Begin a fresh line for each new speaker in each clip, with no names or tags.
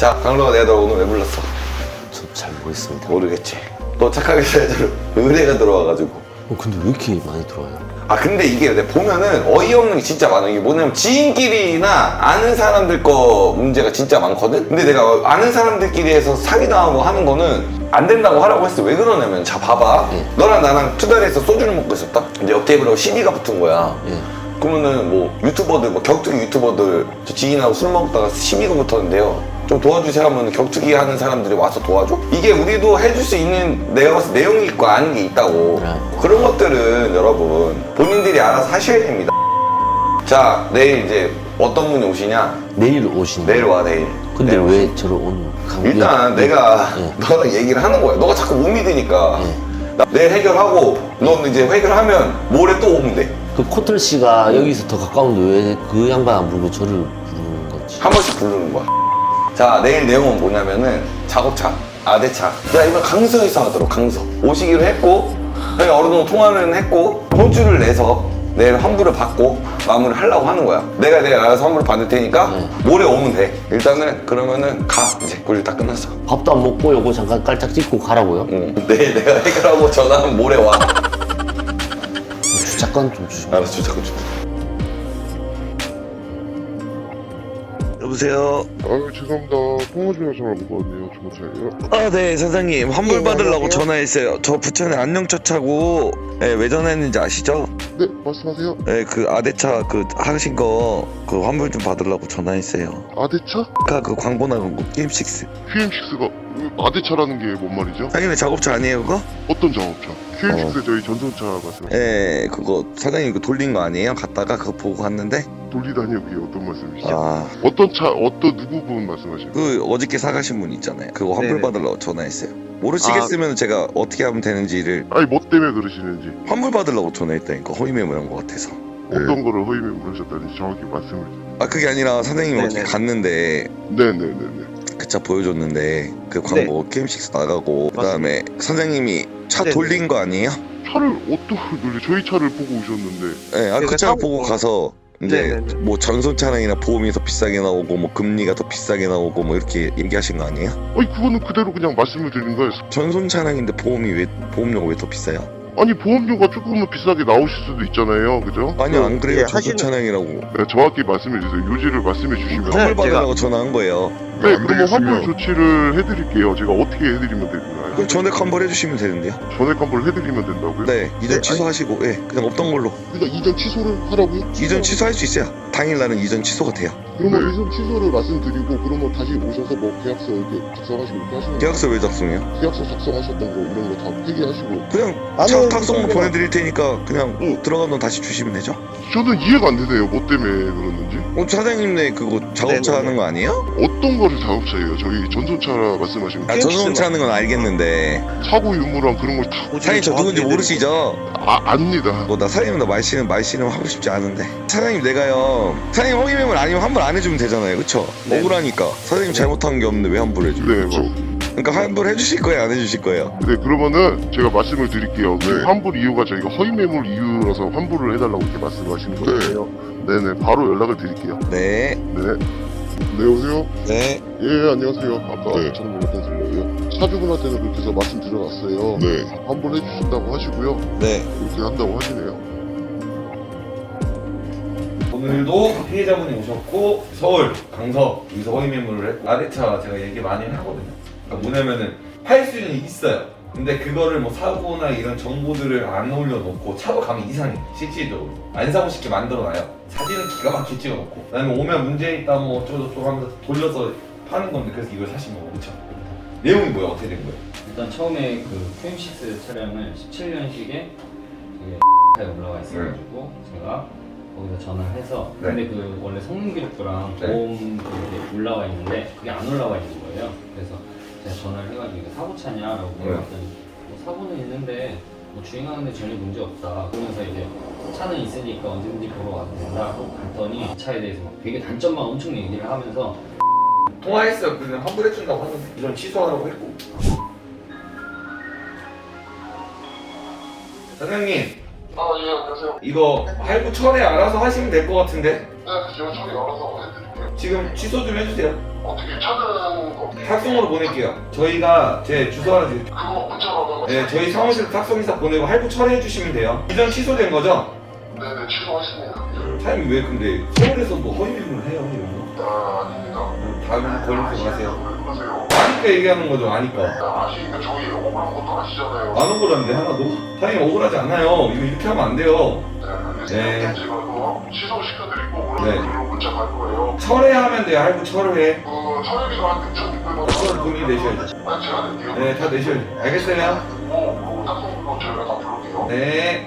자, 강로가 내가 너 오늘 왜 불렀어?
저 잘 모르겠습니다.
모르겠지. 너 착하게 살도록 의뢰가 들어와가지고.
근데 왜 이렇게 많이 들어와요?
아 근데 이게 내가 보면은 어이없는 게 진짜 많아. 이게 뭐냐면 지인끼리나 아는 사람들 거 문제가 진짜 많거든? 근데 내가 아는 사람들끼리 해서 사기당하고 하는 거는 안 된다고 하라고 했어. 왜 그러냐면 자 봐봐. 너랑 나랑 투다리에서 소주를 먹고 있었다? 근데 옆 테이블하고 CD가 붙은 거야. 그러면은 뭐 유튜버들, 뭐 격투기 유튜버들 저 지인하고 술 먹다가 시비가 붙었는데요. 좀 도와주세요 하면 격투기 하는 사람들이 와서 도와줘? 이게 우리도 해줄 수 있는 내가 봤을 때 내용이 있고 아는 게 있다고. 그런 것들은 여러분 본인들이 알아서 하셔야 됩니다. 자, 내일 이제 어떤 분이 오시냐?
내일 오신다.
내일 와, 내일.
근데
내일
왜 저를 오늘
일단 내가 너랑 얘기를 하는 거야. 너가 자꾸 못 믿으니까. 나 내일 해결하고 넌 이제 해결하면 모레 또 오면 돼.
그 코털 씨가 여기서 더 가까운데 왜 그 양반 안 부르고 저를 부르는 거지?
한 번씩 부르는 거야. 자, 내일 내용은 뭐냐면은 작업차, 아대차. 야, 이번 강서에서 하도록, 강서. 오시기로 했고, 저희 어느 정도 통화는 했고, 호주를 내서 내일 환불을 받고 마무리를 하려고 하는 거야. 내가 알아서 환불을 받을 테니까 모레 오면 돼. 일단은 그러면은 가. 이제 그 일 다 끝났어.
밥도 안 먹고 요거 잠깐 깔짝 찍고 가라고요?
응. 내일 내가 해결하고 전화하면 모레 와.
주차권 좀 주시면.
알았어, 주차권 줘. 여보세요?
죄송합니다. 통화 중에 전화 먹거든요. 주무차예요.
아, 네, 선생님. 환불 받으려고 전화했어요. 저 부천에 안녕차차고, 네, 왜 전화했는지 아시죠?
네, 말씀하세요.
네, 그 아대차 그 하신 거 그 환불 좀 받으려고 전화했어요.
아대차?
아까 그 광고 나간 거 게임6.
QM6가 아대차라는 게 뭔 말이죠?
당연히 작업차 아니에요, 그거?
어떤 작업차? QM6 저희 전송차 말씀하세요.
네, 그거 사장님 그 돌린 거 아니에요? 갔다가 그거 보고 갔는데?
돌리다니요? 그게 어떤 말씀이시죠?
아,
어떤 차, 어떤 누구 분 말씀하시는 거예요?
그 어저께 사가신 분 있잖아요. 그거 환불
네네.
받으려고 전화했어요. 모르시겠으면 제가 어떻게 하면 되는지를
아니 뭐 때문에 그러시는지
환불 받으려고 전화했다니까. 허위 매물한 거 같아서.
어떤 거를 허위 매물하셨다는지 정확히 말씀을
아, 그게 아니라 사장님이
네네.
어떻게 갔는데
네네네네.
그 차 보여줬는데 그 광고 게임6 나가고 그다음에 선생님이 차
네네.
돌린 거 아니에요?
차를 어떻게 돌려? 저희 차를 보고 오셨는데
네, 아, 그
제가
차
사고-
보고 가서 이제
네네네.
뭐 전손 차량이나 보험이 더 비싸게 나오고 뭐 금리가 더 비싸게 나오고 뭐 이렇게 얘기하신 거 아니에요?
아니 그거는 그대로 그냥 말씀을 드린 거예요.
전손 차량인데 보험료가 왜 더 비싸요?
아니 보험료가 조금은 비싸게 나오실 수도 있잖아요. 그죠?
아니요, 안 그래요.
예,
전손
하시는-
차량이라고
네, 정확히 말씀해 주세요. 요지를 말씀해 주시면
환불
네,
받으려고 전화한 거예요.
네, 그러면 환불 조치를 해드릴게요. 제가 어떻게 해드리면 되나요?
그럼 전액 환불 해주시면 되는데요.
전액 환불 해드리면 된다고요?
네, 이전
네,
취소하시고, 예, 그냥 없던 걸로.
그러니까 이전 취소를 하라고요?
이전 취소할 수 있어요. 당일날은 이전 취소가 돼요.
그러면
네.
이전 취소를 말씀드리고 그러면 다시 오셔서 뭐 계약서 이렇게 작성하시고 이렇게 하시는
계약서 왜 작성해요?
계약서 작성하셨던 거 이런 거 다 폐기하시고
그냥
아니,
차 탁송로
그러니까-
보내드릴 테니까 그냥 들어가면 돈 다시 주시면 되죠?
저는 이해가 안 되네요. 뭐 때문에 그러는지
사장님네 그거 작업차
네네네.
하는 거 아니에요?
어떤 거를 작업차예요? 저희 전손차 말씀하시는 거
아, 전송차 하는 건 알겠는데
사고 유무랑 그런 걸 다
사장님 저 누군지 모르시죠?
압니다.
나 사장님 나 말씨는 하고 싶지 않은데 사장님 내가요 사장님 허위 매물 아니면 환불 안 해주면 되잖아요, 그쵸?
네.
억울하니까 사장님 잘못한 게 없는데 왜 환불해줘요?
네,
그쵸?
뭐.
그러니까 환불 해주실 거예요, 안 해주실 거예요?
네, 그러면은 제가 말씀을 드릴게요. 그 환불 이유가 저희가 허위 매물 이유라서 환불을 해달라고 이렇게 말씀하시는 거예요. 네네, 바로 연락을 드릴게요.
네.
네. 네, 오세요.
네.
예, 안녕하세요. 아까 저는 못했던 거예요. 차주분한테는 그렇게 해서 말씀 드려놨어요. 네. 환불해 주신다고 하시고요.
네.
이렇게 한다고 하시네요.
오늘도 피해자분이 오셨고 서울 강서 여기서 허위 매물을 했고 아대차 제가 얘기 많이 하거든요. 그러니까 뭐냐면은 팔 수는 있어요. 근데 그거를 뭐 사고나 이런 정보들을 안 올려놓고 차로 가면 이상해. 실질적으로 안 사고 싶게 만들어놔요. 사진은 기가 막히게 찍어놓고 그다음에 오면 문제 있다 뭐 어쩌고저쩌고 하면서 돌려서 파는 건데 그래서 이걸 사신 거고 그쵸? 내용이 뭐야? 어떻게 된 거예요?
일단 처음에 그 QM6 차량을 17년식에 에 올라와 있어가지고 제가 거기서 전화를 해서
네.
근데 그 원래 성능 기록부랑
네.
보험 그게 올라와 있는데 그게 안 올라와 있는 거예요. 그래서 제가 전화를 해가지고 이거 사고차냐라고 물어봤더니 뭐 사고는 있는데 뭐 주행하는데 전혀 문제 없다. 그러면서 이제 차는 있으니까 언제든지 보러 와도 된다고 갔더니 차에 대해서 막 되게 단점만 엄청 얘기를 하면서
통화했어요. 그냥 환불해준다고 하는데 이전 취소하라고 했고. 사장님
예, 안녕하세요.
이거 할부 철회 알아서 하시면 될 것 같은데
네, 제가 처리 알아서 해드릴게요.
지금 취소 좀 해주세요.
어떻게 차는
탁송으로 보낼게요. 저희가 제 주소 하나 드릴게요.
그거 문자로
네, 저희 사무실 탁송이사 보내고 할부 처리해 주시면 돼요. 이전 취소된 거죠?
네네 취소하십니다.
사장님 왜 근데 서울에서 뭐 허위 매물을 해요 이런 거?
아닙니다.
다음에 걸리지 마세요.
왜 그러세요?
아니까 얘기하는 거죠. 아니까.
아시니까 저희 억울한 것도 아시잖아요.
안 억울한데 하나도? 사장님 억울하지 않아요. 이거 이렇게 하면 안 돼요.
네,
네.
제가 그거 취소시켜드리고
네.
그걸로 문자 갈 거예요.
철회하면 돼요. 할부 철회.
그 차례비가 한 6,600원.
그건 본인이 내셔야죠.
아니 제가 낼게요.
네, 다 내셔야죠. 알겠어요?
그리고 탁송으로 저희가 다 부를게요.
네.
네.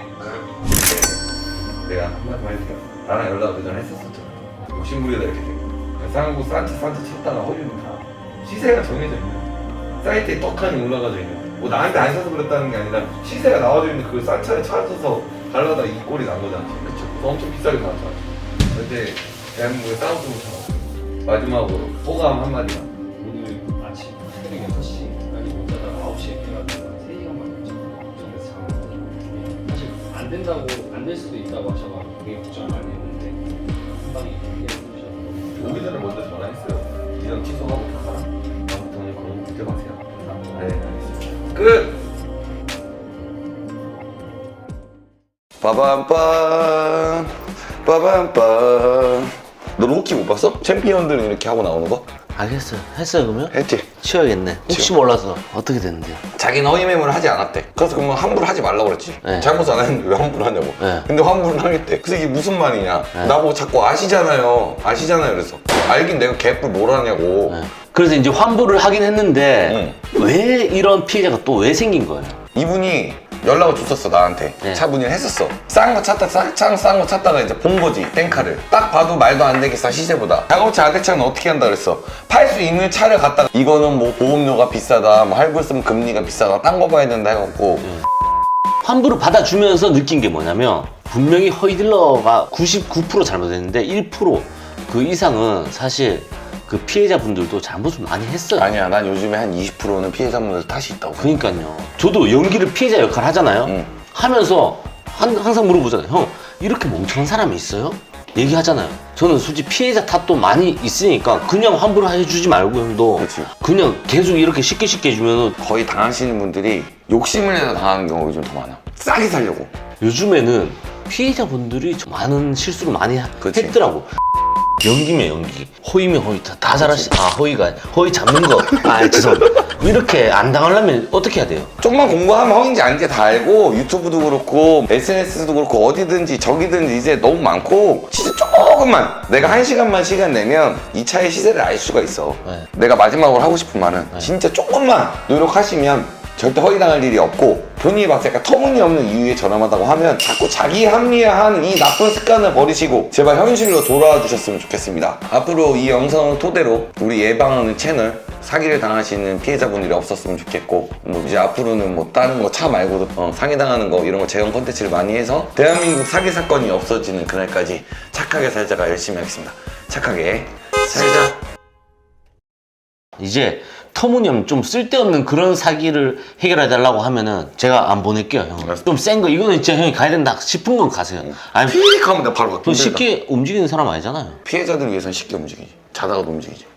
내가 한마디 할게요. 나랑 연락 그 전에 했었었잖아. 욕심부리다 이렇게 된 거. 쌍구 산치 찾다가 허위는 다 시세가 정해져 있는 사이트에 떡하니 올라가져 있는 뭐 나한테 안 사서 그랬다는 게 아니라 시세가 나와져 있는 그 싼 차에 찾아서 갈라다 이 꼴이 난 거잖아. 그쵸? 그래서 엄청 비싸게 나왔잖아. 근데 대한민국에 싸우지 못하고 마지막으로 소감 한마디만.
오늘 아침 새벽 6시까지 못 자다가 9시에 깨가지고 3시간만 걱정돼서 잠을 사실 안 된다고 안 될 수도 있다고 하셔가지고 되게 걱정 많이 했는데 한 방에 얘기해 주셔서
오기 전에 먼저 전화했어요. 이전 취소하고 다 가라. 아무튼 오늘 그런 거 문제 마세요. 네, 알겠습니다. 끝! 빠밤빰 빠밤빰. 너 로키 못 봤어? 챔피언들은 이렇게 하고 나오는 거?
알겠어요. 했어요 그러면?
했지?
치워야겠네. 혹시 몰라서 어떻게 됐는데요?
자기는 허위 매물을 하지 않았대. 그래서 그러면 환불을 하지 말라고 그랬지.
네.
잘못 안 했는데 왜 환불을 하냐고.
네.
근데 환불을 하겠대. 그래서 이게 무슨 말이냐.
네.
나보고 자꾸 아시잖아요. 그래서 알긴 내가 개뿔 뭘 하냐고.
네. 그래서 이제 환불을 하긴 했는데 왜 이런 피해자가 또 왜 생긴 거예요?
이분이 연락을 줬었어 나한테.
네.
차 문의를 했었어. 싼 거 찾다가 이제 본 거지 땡카를. 딱 봐도 말도 안 되게 싸 시세보다. 자동차 아대차는 어떻게 한다 그랬어. 팔 수 있는 차를 갖다가 이거는 뭐 보험료가 비싸다, 뭐 할부 쓰면 금리가 비싸다, 딴 거 봐야 된다 해갖고.
환불을 받아주면서 느낀 게 뭐냐면 분명히 허위딜러가 99% 잘못했는데 1%그 이상은 사실 그 피해자분들도 잘못을 많이 했어요.
아니야, 난 요즘에 한 20%는 피해자분들 탓이 있다고.
그러니까요. 저도 연기를 피해자 역할 하잖아요.
응.
하면서 항상 물어보잖아요. 형, 이렇게 멍청한 사람이 있어요? 얘기하잖아요. 저는 솔직히 피해자 탓도 많이 있으니까 그냥 환불을 해주지 말고 형도
그치.
그냥 계속 이렇게 쉽게 해주면
거의 당하시는 분들이 욕심을 내서 당하는 경우가 요즘 더 많아. 싸게 살려고.
요즘에는 피해자분들이 좀 많은 실수를 많이
그치.
했더라고. 연기면 연기, 허위면 허위 다 잘하시. 아 허위가 허위 잡는 거. 아 죄송합니다. 이렇게 안 당하려면 어떻게 해야 돼요?
조금만 공부하면 허위인지 아닌지 다 알고 유튜브도 그렇고 SNS도 그렇고 어디든지 저기든지 이제 너무 많고 진짜 조금만 내가 1시간만 시간 내면 이 차의 시세를 알 수가 있어.
네.
내가 마지막으로 하고 싶은 말은 진짜 조금만 노력하시면 절대 허위당할 일이 없고 본인이 봤을 때 약간 터무니없는 이유에 저렴하다고 하면 자꾸 자기 합리화하는 이 나쁜 습관을 버리시고 제발 현실로 돌아와 주셨으면 좋겠습니다. 앞으로 이 영상을 토대로 우리 예방하는 채널 사기를 당하시는 피해자분들이 없었으면 좋겠고 뭐 이제 앞으로는 뭐 다른 거 차 말고도 사기당하는 거 이런 거 재현 콘텐츠를 많이 해서 대한민국 사기 사건이 없어지는 그날까지 착하게 살자가 열심히 하겠습니다. 착하게 살자.
이제 터무니없는 좀 쓸데없는 그런 사기를 해결해달라고 하면은 제가 안 보낼게요 형. 좀 센 거 이거는 진짜 형이 가야 된다 싶은 건 가세요. 아니
피익 하면 내가 바로
그 쉽게 움직이는 사람 아니잖아요.
피해자들 위해서는 쉽게 움직이지. 자다가도 움직이지.